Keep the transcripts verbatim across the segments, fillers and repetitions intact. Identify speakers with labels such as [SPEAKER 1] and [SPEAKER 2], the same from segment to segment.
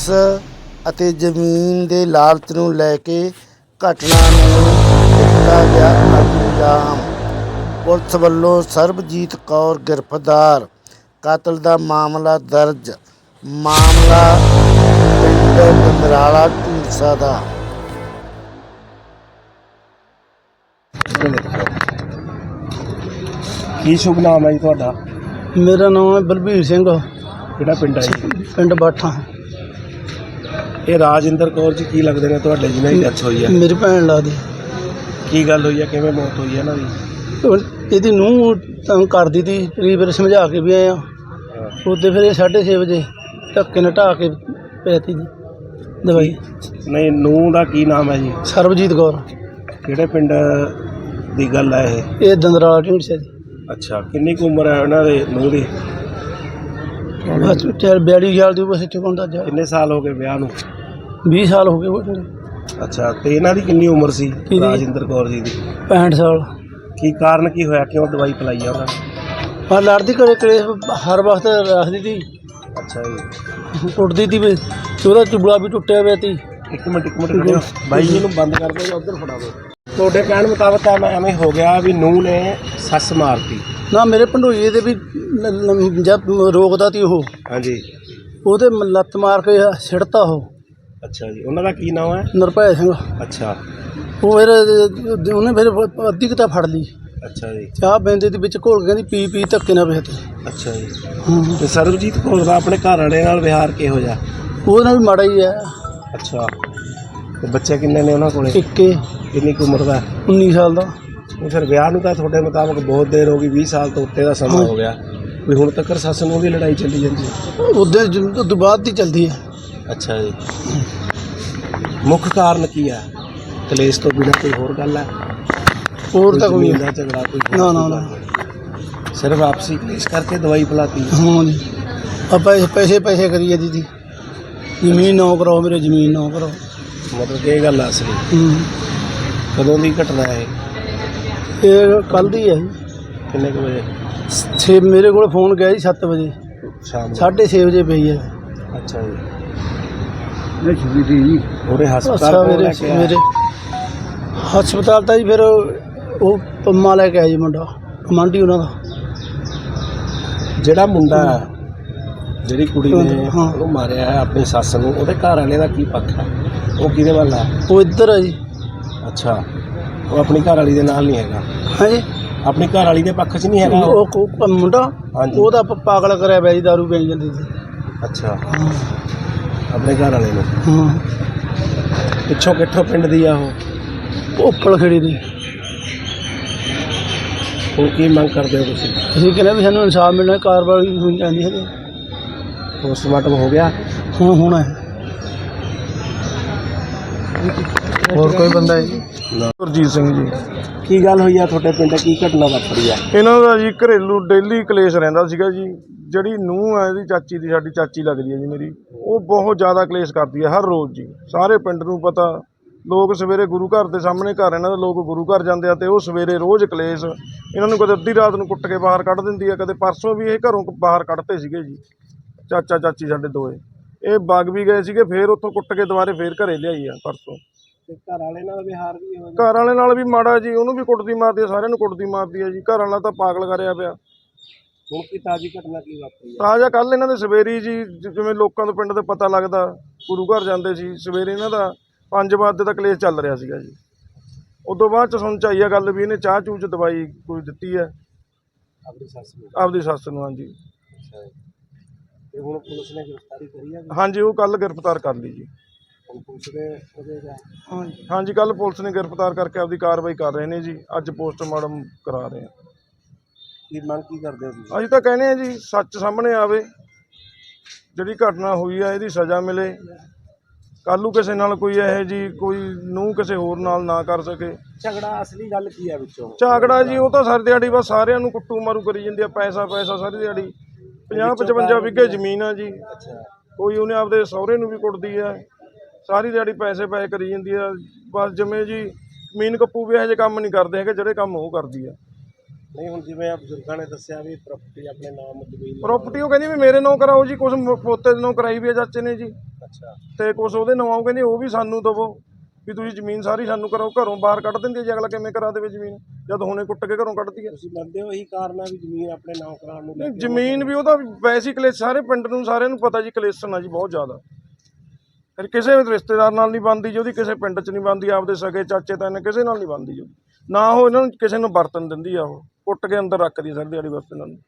[SPEAKER 1] Police ਅਤੇ ਜ਼ਮੀਨ ਦੇ ਲਾਲਚ ਨੂੰ ਲੈ ਕੇ ਘਟਨਾ ਨੂੰ ਦਿੱਤਾ ਗਿਆ ਅੰਜਾਮ। ਪੁਲਿਸ ਵੱਲੋਂ ਸਰਬਜੀਤ ਕੌਰ ਗ੍ਰਿਫਤਾਰ। ਕਤਲ ਦਾ ਮਾਮਲਾ ਦਰਜ। ਮਾਮਲਾ ਪਿੰਡ ਦੰਦਰਾਲਾ ਢੀਂਡਸਾ ਦਾ।
[SPEAKER 2] ਕੀ ਸ਼ੁਭ ਨਾਮ ਹੈ ਜੀ ਤੁਹਾਡਾ?
[SPEAKER 3] ਮੇਰਾ ਨਾਮ ਹੈ ਬਲਬੀਰ ਸਿੰਘ,
[SPEAKER 2] ਕਿਹੜਾ ਪਿੰਡ ਹੈ ਜੀ?
[SPEAKER 3] ਪਿੰਡ ਬਾਠਾ।
[SPEAKER 2] ਇਹ ਰਾਜਿੰਦਰ ਕੌਰ ਜੀ ਕੀ ਲੱਗਦੇ ਨੇ ਤੁਹਾਡੇ ਜਿਹਨਾਂ ਦੀ ਡੈਥ ਹੋਈ ਹੈ?
[SPEAKER 3] ਮੇਰੀ ਭੈਣ ਲੱਗਦੀ।
[SPEAKER 2] ਕੀ ਗੱਲ ਹੋਈ ਹੈ, ਕਿਵੇਂ ਮੌਤ ਹੋਈ ਹੈ ਇਹਨਾਂ ਦੀ?
[SPEAKER 3] ਇਹਦੀ ਨੂੰਹ ਤੰਗ ਕਰਦੀ ਤੀ, ਕਈ ਵਾਰ ਸਮਝਾ ਕੇ ਵੀ ਆਏ ਆ। ਉੱਤੇ ਫਿਰ ਇਹ ਸਾਢੇ ਛੇ ਵਜੇ ਧੱਕੇ ਨਾਲ ਢਾਹ ਕੇ ਪੈਤੀ ਜੀ ਦਵਾਈ।
[SPEAKER 2] ਨਹੀਂ, ਨੂੰਹ ਦਾ ਕੀ ਨਾਮ ਹੈ ਜੀ?
[SPEAKER 3] ਸਰਬਜੀਤ ਕੌਰ।
[SPEAKER 2] ਕਿਹੜੇ ਪਿੰਡ ਦੀ ਗੱਲ ਹੈ ਇਹ?
[SPEAKER 3] ਇਹ ਦੰਦਰਾਲਾ ਢੀਂਡਸਾ ਜੀ।
[SPEAKER 2] ਅੱਛਾ, ਕਿੰਨੀ ਕੁ ਉਮਰ ਹੈ ਉਹਨਾਂ ਦੇ ਨੂੰਹ ਦੀ?
[SPEAKER 3] ਬਸ ਚਾਰ ਬਿਆਲੀ ਸਾਲ ਦੀ ਬਸ ਇੱਥੇ ਕੋਂਦਾ ਜਾ।
[SPEAKER 2] ਕਿੰਨੇ ਸਾਲ ਹੋ ਗਏ ਵਿਆਹ ਨੂੰ?
[SPEAKER 3] ਵੀਹ ਸਾਲ ਹੋ ਗਏ ਉਹ।
[SPEAKER 2] ਅੱਛਾ, ਤੇ ਇਹਨਾਂ ਦੀ ਕਿੰਨੀ ਉਮਰ ਸੀ ਰਾਜਿੰਦਰ ਕੌਰ ਜੀ ਦੀ?
[SPEAKER 3] ਪੈਂਹਠ ਸਾਲ।
[SPEAKER 2] ਕੀ ਕਾਰਨ ਕੀ ਹੋਇਆ, ਕਿਉਂ ਦਵਾਈ ਪਿਲਾਈ ਆ ਉਹਨਾਂ ਨੇ?
[SPEAKER 3] ਹਾਂ, ਲੜਦੀ ਘਰੇ ਕਲੇਸ਼ ਹਰ ਵਕਤ ਰੱਖਦੀ ਤੀ।
[SPEAKER 2] ਅੱਛਾ ਜੀ।
[SPEAKER 3] ਟੁੱਟਦੀ ਤੀ ਵੀ, ਉਹਦਾ ਚੁਬਲਾ ਵੀ ਟੁੱਟਿਆ ਪਿਆ ਤੀ।
[SPEAKER 2] ਇੱਕ ਮਿੰਟ ਇੱਕ ਮਿੰਟ ਖੜਿਓ ਬਾਈ ਜੀ ਨੂੰ ਬੰਦ ਕਰ ਦਿਓ ਜਾਂ ਉੱਧਰ ਫੜਾ ਦਿਓ। ਤੁਹਾਡੇ ਕਹਿਣ ਮੁਤਾਬਕ ਤਾਂ ਮੈਂ ਐਵੇਂ ਹੋ ਗਿਆ ਵੀ ਨੂੰਹ ਨੇ ਸੱਸ ਮਾਰਤੀ।
[SPEAKER 3] ਨਾ, ਮੇਰੇ ਭੰਡੋਈਏ ਦੇ ਵੀ ਨ- ਨ- ਜਦ ਰੋਕਦਾ ਤੀ ਉਹ,
[SPEAKER 2] ਹਾਂਜੀ।
[SPEAKER 3] ਉਹਦੇ ਮ- ਲੱਤ ਮਾਰ ਕੇ ਸਿੱਟਤਾ ਉਹ।
[SPEAKER 2] ਅੱਛਾ ਜੀ, ਉਹਨਾਂ ਦਾ ਕੀ ਨਾਮ ਹੈ?
[SPEAKER 3] ਨਿਰਭੈ ਸਿੰਘ।
[SPEAKER 2] ਅੱਛਾ
[SPEAKER 3] ਉਹ ਫਿਰ ਉਹਨੇ ਫਿਰ ਅੱਧੀ ਕੁ ਤਾਂ ਫੜ ਲਈ।
[SPEAKER 2] ਅੱਛਾ ਜੀ।
[SPEAKER 3] ਚਾਹ ਬੈਂਦੇ ਦੇ ਵਿੱਚ ਘੋਲ ਕੇ ਕਹਿੰਦੀ ਪੀ ਪੀ ਧੱਕੇ ਨਾਲ ਵੇਖਤੇ।
[SPEAKER 2] ਅੱਛਾ ਜੀ।
[SPEAKER 3] ਹਾਂ,
[SPEAKER 2] ਤੇ ਸਰਬਜੀਤ ਕੌਰ ਦਾ ਆਪਣੇ ਘਰ ਵਾਲੇ ਨਾਲ ਵਿਹਾਰ ਕਿਹੋ ਜਿਹਾ?
[SPEAKER 3] ਉਹਦੇ ਨਾਲ ਵੀ ਮਾੜਾ ਹੀ ਹੈ।
[SPEAKER 2] ਅੱਛਾ, ਤੇ ਬੱਚੇ ਕਿੰਨੇ ਨੇ ਉਹਨਾਂ ਕੋਲੇ?
[SPEAKER 3] ਇੱਕੇ
[SPEAKER 2] ਕਿੰਨੀ ਕੁ ਉਮਰ ਦਾ?
[SPEAKER 3] ਉੱਨੀ ਸਾਲ ਦਾ।
[SPEAKER 2] ਉਹ ਫਿਰ ਵਿਆਹ ਨੂੰ ਤਾਂ ਤੁਹਾਡੇ ਮੁਤਾਬਕ ਬਹੁਤ ਦੇਰ ਹੋ ਗਈ, ਵੀਹ ਸਾਲ ਤੋਂ ਉੱਤੇ ਦਾ ਸਮਾਂ
[SPEAKER 3] ਹਾਂ।
[SPEAKER 2] ਹੋ ਗਿਆ ਵੀ ਹੁਣ ਤੱਕ ਸੱਸ ਨੂੰ ਦੀ ਲੜਾਈ ਚੱਲੀ ਜਾਂਦੀ ਹੈ?
[SPEAKER 3] ਉਹਦੇ ਤੋਂ ਬਾਅਦ ਦੀ ਚੱਲਦੀ ਹੈ।
[SPEAKER 2] ਅੱਛਾ ਜੀ। ਮੁੱਖ ਕਾਰਨ ਕੀ ਹੈ? ਕਲੇਸ਼ ਤੋਂ ਬਿਨਾਂ ਕੋਈ ਹੋਰ ਗੱਲ ਹੈ?
[SPEAKER 3] ਹੋਰ ਤਾਂ ਕੋਈ
[SPEAKER 2] ਜ਼ਮੀਨ ਦਾ ਝਗੜਾ ਕੋਈ ਹੋਰ
[SPEAKER 3] ਨਾ ਨਾ
[SPEAKER 2] ਕੋਈ
[SPEAKER 3] ਨਾ।
[SPEAKER 2] ਗੱਲ? ਸਿਰਫ ਆਪਸੀ ਕਲੇਸ਼ ਕਰਕੇ ਦਵਾਈ ਪਿਲਾਤੀ?
[SPEAKER 3] ਹਾਂ ਜੀ, ਆਪਾਂ ਪੈਸੇ ਪੈਸੇ ਕਰੀਏ ਦੀਦੀ, ਜ਼ਮੀਨ ਨਾ ਕਰਾਓ ਮੇਰੇ, ਜ਼ਮੀਨ ਨਾ ਕਰਾਓ।
[SPEAKER 2] ਮਤਲਬ ਇਹ ਗੱਲ ਆ ਅਸਲੀ?
[SPEAKER 3] ਹੂੰ।
[SPEAKER 2] ਕਦੋਂ ਦੀ ਘਟਨਾ ਹੈ?
[SPEAKER 3] ਇਹ ਕੱਲ੍ਹ ਦੀ ਹੈ ਜੀ।
[SPEAKER 2] ਕਿੰਨੇ ਕੁ ਵਜੇ?
[SPEAKER 3] ਛੇ ਮੇਰੇ ਕੋਲ ਫੋਨ ਗਿਆ ਜੀ ਸੱਤ ਵਜੇ,
[SPEAKER 2] ਸ਼ਾਮ ਨੂੰ?
[SPEAKER 3] ਸਾਢੇ ਛੇ ਵਜੇ ਪਈ ਹੈ।
[SPEAKER 2] ਅੱਛਾ ਜੀ।
[SPEAKER 3] ਨਹੀਂ ਛੁੱਟੀ ਦੀ
[SPEAKER 2] ਉਹਦੇ ਹਸਪਤਾਲ
[SPEAKER 3] ਅੱਛਾ,
[SPEAKER 2] ਕੋਲ
[SPEAKER 3] ਮੇਰੇ
[SPEAKER 2] ਲੈ ਕੇ ਆਇਆ?
[SPEAKER 3] ਮੇਰੇ ਹਸਪਤਾਲ ਤਾਂ ਜੀ ਫਿਰ ਉਹ ਪੰਮਾ ਲੈ ਕੇ ਆਇਆ ਜੀ, ਮੁੰਡਾ ਕਮਾਂਡੀ ਉਹਨਾਂ ਦਾ।
[SPEAKER 2] ਜਿਹੜਾ ਮੁੰਡਾ ਜਿਹੜੀ ਕੁੜੀ ਨੇ
[SPEAKER 3] ਹਾਂ।
[SPEAKER 2] ਉਹਨੂੰ ਮਾਰਿਆ ਹੈ ਆਪਣੀ ਸੱਸ ਨੂੰ, ਉਹਦੇ ਘਰ ਵਾਲੇ ਦਾ ਕੀ ਪੱਖ ਹੈ? ਉਹ ਕਿਹਦੇ ਵੱਲ ਹੈ?
[SPEAKER 3] ਉਹ ਇੱਧਰ ਹੈ ਜੀ।
[SPEAKER 2] ਅੱਛਾ, ਉਹ ਆਪਣੀ ਘਰ ਵਾਲੀ ਦੇ ਨਾਲ ਨਹੀਂ ਹੈਗਾ?
[SPEAKER 3] ਹਾਂਜੀ,
[SPEAKER 2] ਆਪਣੀ ਘਰ ਵਾਲੀ ਦੇ ਪੱਖ 'ਚ ਨਹੀਂ ਹੈਗਾ ਉਹ?
[SPEAKER 3] ਉਹ ਕੋ- ਮੁੰਡਾ
[SPEAKER 2] ਹਾਂਜੀ।
[SPEAKER 3] ਉਹਦਾ ਪ- ਪਾਗਲ ਕਰਿਆ ਪਿਆ ਜੀ, ਦਾਰੂ ਪੀ ਜਾਂਦੀ ਸੀ।
[SPEAKER 2] ਅੱਛਾ,
[SPEAKER 3] ਹਾਂ
[SPEAKER 2] ਆਪਣੇ ਘਰ ਵਾਲੇ ਨੂੰ?
[SPEAKER 3] ਹਾਂ।
[SPEAKER 2] ਪਿੱਛੋਂ ਕਿੱਥੋਂ ਪਿੰਡ ਦੀ ਆ ਉਹ?
[SPEAKER 3] ਉੱਪਲ ਖੜੀ ਦੀ।
[SPEAKER 2] ਹੁਣ ਕੀ ਮੰਗ ਕਰਦੇ ਹੋ ਤੁਸੀਂ?
[SPEAKER 3] ਅਸੀਂ ਕਹਿੰਦੇ ਵੀ ਸਾਨੂੰ ਇਨਸਾਫ ਮਿਲਣਾ, ਕਾਰਵਾਈ ਹੋਣੀ ਚਾਹੀਦੀ ਹੈ।
[SPEAKER 2] ਪੋਸਟਮਾਰਟਮ ਹੋ ਗਿਆ?
[SPEAKER 3] ਹੁਣ ਹੋਣਾ ਹੈ। ਹੋਰ ਕੋਈ ਬੰਦਾ ਹੈ?
[SPEAKER 4] ਗੁਰਜੀਤ ਸਿੰਘ ਜੀ।
[SPEAKER 2] ਕੀ ਗੱਲ ਹੋਈ ਆ ਤੁਹਾਡੇ ਪਿੰਡ? ਕੀ ਘਟਨਾ ਵਾਪਰੀ ਆ?
[SPEAKER 4] ਇਹਨਾਂ ਦਾ ਜੀ ਘਰੇਲੂ ਡੇਲੀ ਕਲੇਸ਼ ਰਹਿੰਦਾ ਸੀਗਾ ਜੀ। ਜਿਹੜੀ ਨੂੰਹ ਹੈ ਇਹਦੀ ਚਾਚੀ ਦੀ, ਸਾਡੀ ਚਾਚੀ ਲੱਗਦੀ ਹੈ ਜੀ ਮੇਰੀ, ਉਹ ਬਹੁਤ ਜ਼ਿਆਦਾ ਕਲੇਸ਼ ਕਰਦੀ ਹੈ ਹਰ ਰੋਜ਼ ਜੀ। ਸਾਰੇ ਪਿੰਡ ਨੂੰ ਪਤਾ, ਲੋਕ ਸਵੇਰੇ ਗੁਰੂ ਘਰ ਦੇ ਸਾਹਮਣੇ ਘਰ ਇਹਨਾਂ ਦੇ, ਲੋਕ ਗੁਰੂ ਘਰ ਜਾਂਦੇ ਆ ਤੇ ਉਹ ਸਵੇਰੇ ਰੋਜ਼ ਕਲੇਸ਼। ਇਹਨਾਂ ਨੂੰ ਕਦੇ ਅੱਧੀ ਰਾਤ ਨੂੰ ਕੁੱਟ ਕੇ ਬਾਹਰ ਕੱਢ ਦਿੰਦੀ ਹੈ, ਕਦੇ ਪਰਸੋਂ ਵੀ ਇਹ ਘਰੋਂ ਬਾਹਰ ਕੱਢਤੇ ਸੀਗੇ ਜੀ ਚਾਚਾ ਚਾਚੀ ਸਾਡੇ ਦੋਏ। ਇਹ ਵਗ ਵੀ ਗਏ ਸੀਗੇ, ਫੇਰ ਉੱਥੋਂ ਕੁੱਟ ਕੇ ਦੁਬਾਰੇ ਫੇਰ ਘਰੇ ਲਿਆਈ ਆ ਪਰਸੋਂ।
[SPEAKER 2] ਤੇ ਘਰ ਵਾਲੇ ਨਾਲ ਵਿਹਾਰ ਵੀ ਹੋ
[SPEAKER 4] ਘਰ ਵਾਲੇ ਨਾਲ ਵੀ ਮਾੜਾ ਜੀ, ਉਹਨੂੰ ਵੀ ਕੁੱਟਦੀ ਮਾਰਦੀ ਹੈ, ਸਾਰਿਆਂ ਨੂੰ ਕੁੱਟਦੀ ਮਾਰਦੀ ਹੈ ਜੀ। ਘਰ ਵਾਲਾ ਤਾਂ ਪਾਗਲ ਕਰਿਆ ਪਿਆ।
[SPEAKER 2] ਹੁਣ ਕੀ ਤਾਜ਼ੀ ਘਟਨਾ ਕੀ ਵਾਪਰੀ ਆ?
[SPEAKER 4] ਤਾਜ਼ਾ ਕੱਲ੍ਹ ਇਹਨਾਂ ਦੇ ਸਵੇਰੀ ਜੀ, ਜਿਵੇਂ ਲੋਕਾਂ ਤੋਂ ਪਿੰਡ ਦੇ ਪਤਾ ਲੱਗਦਾ, ਗੁਰੂ ਘਰ ਜਾਂਦੇ ਸੀ ਸਵੇਰੇ, ਇਹਨਾਂ ਦਾ ਪੰਜ ਵਜੇ ਤੱਕ ਕਲੇਸ਼ ਚੱਲ ਰਿਹਾ ਸੀਗਾ ਜੀ। ਉਦੋਂ ਬਾਅਦ ਚ ਸੁਣ ਚ ਆਈ ਆ ਗੱਲ ਵੀ ਇਹਨੇ ਚਾਹ ਚੂਹ ਚ ਦਵਾਈ ਕੋਈ ਦਿੱਤੀ ਹੈ
[SPEAKER 2] ਆਪਣੀ ਸੱਸ ਨੂੰ?
[SPEAKER 4] ਆਪਦੀ ਸੱਸ ਨੂੰ। ਹਾਂਜੀ।
[SPEAKER 2] ਅੱਛਾ, ਤੇ ਹੁਣ ਪੁਲਿਸ ਨੇ ਗ੍ਰਿਫਤਾਰੀ ਕਰੀ ਆ?
[SPEAKER 4] ਹਾਂਜੀ, ਉਹ ਕੱਲ੍ਹ ਗ੍ਰਿਫਤਾਰ ਕਰ ਲਈ ਜੀ।
[SPEAKER 2] ਹੁਣ ਪੁਲਿਸ ਦੇ ਉਹਦੇ ਦਾ?
[SPEAKER 3] ਹਾਂਜੀ।
[SPEAKER 4] ਹਾਂਜੀ, ਕੱਲ੍ਹ ਪੁਲਿਸ ਨੇ ਗ੍ਰਿਫਤਾਰ ਕਰਕੇ ਆਪਦੀ ਕਾਰਵਾਈ ਕਰ ਰਹੇ ਨੇ ਜੀ। ਅੱਜ ਪੋਸਟਮਾਰਟਮ ਕਰਾ ਰਹੇ ਆ।
[SPEAKER 2] ਕੀ ਮੰਗ ਕੀ ਕਰਦੇ ਹੋ ਤੁਸੀਂ?
[SPEAKER 4] ਅਸੀਂ ਤਾਂ ਕਹਿੰਦੇ ਆ ਜੀ ਸੱਚ ਸਾਹਮਣੇ ਆਵੇ, ਜਿਹੜੀ ਘਟਨਾ ਹੋਈ ਆ ਇਹਦੀ ਸਜ਼ਾ ਮਿਲੇ। ਕੱਲ੍ਹ ਨੂੰ ਕਿਸੇ ਨਾਲ ਕੋਈ ਇਹੋ ਜੀ ਕੋਈ ਨੂੰਹ ਕਿਸੇ ਹੋਰ ਨਾਲ ਨਾ ਕਰ ਸਕੇ।
[SPEAKER 2] ਝਗੜਾ ਅਸਲੀ ਗੱਲ ਕੀ ਆ ਵਿੱਚੋਂ?
[SPEAKER 4] ਝਾਗੜਾ ਜੀ ਉਹ ਤਾਂ ਸਾਰੀ ਦਿਹਾੜੀ ਬਸ ਸਾਰਿਆਂ ਨੂੰ ਕੁੱਟੂ ਮਾਰੂ ਕਰੀ ਜਾਂਦੀ ਆ, ਪੈਸਾ ਪੈਸਾ ਸਾਰੀ ਦਿਹਾੜੀ। ਪੰਜਾਹ ਪਚਵੰਜਾ ਵਿਗੇ ਜ਼ਮੀਨ ਆ ਜੀ।
[SPEAKER 2] ਅੱਛਾ,
[SPEAKER 4] ਕੋਈ ਉਹਨੇ ਆਪਦੇ ਸਹੁਰੇ ਨੂੰ ਵੀ ਕੁੱਟਦੀ ਆ, ਸਾਰੀ ਦਿਹਾੜੀ ਪੈਸੇ ਪੈਸੇ ਕਰੀ ਜਾਂਦੀ ਆ। ਬਸ ਜਿਵੇਂ ਜੀ ਜ਼ਮੀਨ ਕੱਪੂ ਵੀ ਇਹੋ ਜਿਹੇ ਕੰਮ ਨਹੀਂ ਕਰਦੇ ਹੈਗੇ ਜਿਹੜੇ ਕੰਮ ਉਹ ਕਰਦੀ ਆ।
[SPEAKER 2] ਨਹੀਂ ਹੁਣ ਜਿਵੇਂ ਆ ਬਜ਼ੁਰਗਾਂ ਨੇ ਦੱਸਿਆ ਵੀ ਪ੍ਰਾਪਰਟੀ ਆਪਣੇ ਨਾਮ ਜ਼ਮੀਨ
[SPEAKER 4] ਪ੍ਰੋਪਰਟੀ ਉਹ ਕਹਿੰਦੀ ਵੀ ਮੇਰੇ ਨਾਂ ਕਰਾਓ ਜੀ, ਕੁਛ ਪੋਤੇ ਦੇ ਨਾਂ ਕਰਾਈ ਵੀ ਆ ਚਾਚੇ ਨੇ ਜੀ।
[SPEAKER 2] ਅੱਛਾ
[SPEAKER 4] ਤੇ ਕੁਛ ਉਹਦੇ ਨਾਂ ਕਹਿੰਦੇ ਉਹ ਵੀ ਸਾਨੂੰ ਦਵੋ ਵੀ ਤੁਸੀਂ ਜ਼ਮੀਨ ਸਾਰੀ ਸਾਨੂੰ ਕਰੋ। ਘਰੋਂ ਬਾਹਰ ਕੱਢ ਦਿੰਦੀ ਹੈ ਜੀ, ਅਗਲਾ ਕਿਵੇਂ ਕਰਾ ਦੇਵੇ ਜ਼ਮੀਨ ਜਦ ਹੁਣੇ ਕੁੱਟ ਕੇ ਘਰੋਂ ਕੱਢਦੀ ਹੈ।
[SPEAKER 2] ਤੁਸੀਂ ਮੰਨਦੇ ਹੋ ਇਹੀ ਕਾਰਨ ਹੈ ਵੀ ਜ਼ਮੀਨ ਆਪਣੇ ਨਾਂ ਕਰਾਉਣ ਨੂੰ ਲੈ
[SPEAKER 4] ਨਹੀਂ
[SPEAKER 2] ਕੇ?
[SPEAKER 4] ਜ਼ਮੀਨ ਵੀ ਉਹਦਾ ਵੈਸੇ ਹੀ ਕਲੇਸ਼, ਸਾਰੇ ਪਿੰਡ ਨੂੰ ਸਾਰਿਆਂ ਨੂੰ ਪਤਾ ਜੀ ਕਲੇਸ਼ਨ ਆ ਜੀ ਬਹੁਤ ਜ਼ਿਆਦਾ। ਫਿਰ ਕਿਸੇ ਵੀ ਰਿਸ਼ਤੇਦਾਰ ਨਾਲ ਨਹੀਂ ਬਣਦੀ ਜੀ ਉਹਦੀ, ਕਿਸੇ ਪਿੰਡ 'ਚ ਨਹੀਂ ਬਣਦੀ, ਆਪਦੇ ਸਕੇ ਚਾਚੇ ਤਾਏ ਕਿਸੇ ਨਾਲ ਨਹੀਂ ਬਣਦੀ ਜੀ। ਨਾ ਉਹ ਇਹਨਾਂ ਨੂੰ ਕਿਸੇ ਨੂੰ ਵਰਤਨ ਦਿੰਦੀ ਆ, ਉਹ ਕੁੱਟ ਕੇ ਅੰਦਰ ਰੱਖਦੀ ਸਾਰੀ ਦਿਹਾੜੀ ਬਸ ਇਹਨਾਂ ਨੂੰ।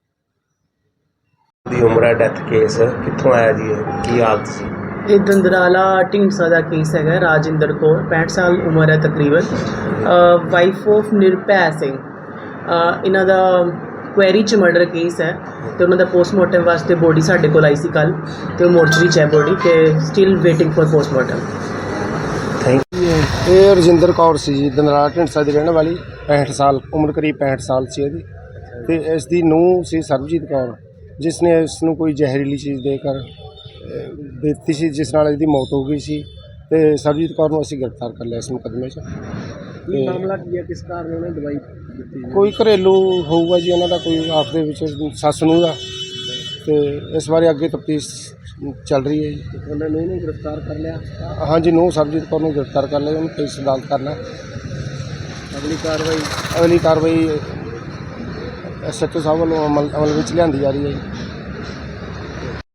[SPEAKER 2] ਦੀ ਉਮਰ ਹੈ, ਡੈਥ ਕੇਸ ਕਿੱਥੋਂ ਆਇਆ ਜੀ ਇਹ, ਕੀ ਹਾਲਤ ਸੀ?
[SPEAKER 5] ਇਹ ਦੰਦਰਾਲਾ ਢੀਂਡਸਾ ਦਾ ਕੇਸ ਹੈਗਾ। ਰਾਜਿੰਦਰ ਕੌਰ ਪੈਂਹਠ ਸਾਲ ਉਮਰ ਹੈ ਤਕਰੀਬਨ, ਵਾਈਫ ਆਫ ਨਿਰਭੈ ਸਿੰਘ। ਅਹ ਇਹਨਾਂ ਦਾ ਕੁਐਰੀ 'ਚ ਮਰਡਰ ਕੇਸ ਹੈ ਅਤੇ ਉਹਨਾਂ ਦਾ ਪੋਸਟਮਾਰਟਮ ਵਾਸਤੇ ਬੋਡੀ ਸਾਡੇ ਕੋਲ ਆਈ ਸੀ ਕੱਲ੍ਹ, ਅਤੇ ਉਹ ਮੋਰਚਰੀ 'ਚ ਹੈ ਬੋਡੀ, ਅਤੇ still waiting for postmortem.
[SPEAKER 2] Thank
[SPEAKER 6] ਇਹ ਰਜਿੰਦਰ ਕੌਰ ਸੀ ਜੀ, ਦੰਦਰਾਲਾ ਢੀਂਡਸਾ ਦੀ ਰਹਿਣ ਵਾਲੀ, ਪੈਂਹਠ ਸਾਲ ਉਮਰ, ਕਰੀਬ ਪੈਂਹਠ ਸਾਲ ਸੀ ਇਹਦੀ। ਅਤੇ ਇਸ ਦੀ ਨੂੰਹ ਸੀ ਸਰਬਜੀਤ ਕੌਰ, ਜਿਸ ਨੇ ਇਸ ਨੂੰ ਕੋਈ ਜ਼ਹਿਰੀਲੀ ਚੀਜ਼ ਦੇ ਕਰ ਅਹ, ਦਿੱਤੀ ਸੀ, ਜਿਸ ਨਾਲ ਇਹਦੀ ਮੌਤ ਹੋ ਗਈ ਸੀ। ਅਤੇ ਸਰਬਜੀਤ ਕੌਰ ਨੂੰ ਅਸੀਂ ਗ੍ਰਿਫਤਾਰ ਕਰ ਲਿਆ ਇਸ ਮੁਕੱਦਮੇ 'ਚ।
[SPEAKER 2] ਕੀ ਮਾਮਲਾ ਕੀ ਹੈ, ਕਿਸ ਕਾਰਨ ਉਹਨੇ ਦਵਾਈ ਦਿੱਤੀ?
[SPEAKER 6] ਕੋਈ ਘਰੇਲੂ ਹੋਊਗਾ ਜੀ ਉਹਨਾਂ ਦਾ, ਕੋਈ ਆਪ ਦੇ ਵਿੱਚ ਸੱਸ ਨੂੰ ਦਾ, ਅਤੇ ਇਸ ਬਾਰੇ ਅੱਗੇ ਤਫਤੀਸ਼ ਚੱਲ ਰਹੀ ਹੈ ਜੀ।
[SPEAKER 2] ਉਹਨਾਂ ਨੂੰ ਇਹਨੂੰ ਗ੍ਰਿਫਤਾਰ ਕਰ ਲਿਆ,
[SPEAKER 6] ਹਾਂਜੀ, ਨੂੰਹ ਸਰਬਜੀਤ ਕੌਰ ਨੂੰ ਗ੍ਰਿਫਤਾਰ ਕਰ ਲਿਆ, ਉਹਨੂੰ ਪੁਲਿਸ ਅਦਾਲਤ ਕਰਨਾ।
[SPEAKER 2] ਅਗਲੀ ਕਾਰਵਾਈ
[SPEAKER 6] ਅਗਲੀ ਕਾਰਵਾਈ ਐਸ ਐਚ ਓ ਸਾਹਿਬ ਵੱਲੋਂ ਅਮਲ ਅਮਲ ਵਿੱਚ ਲਿਆਂਦੀ ਜਾ ਰਹੀ ਹੈ ਜੀ।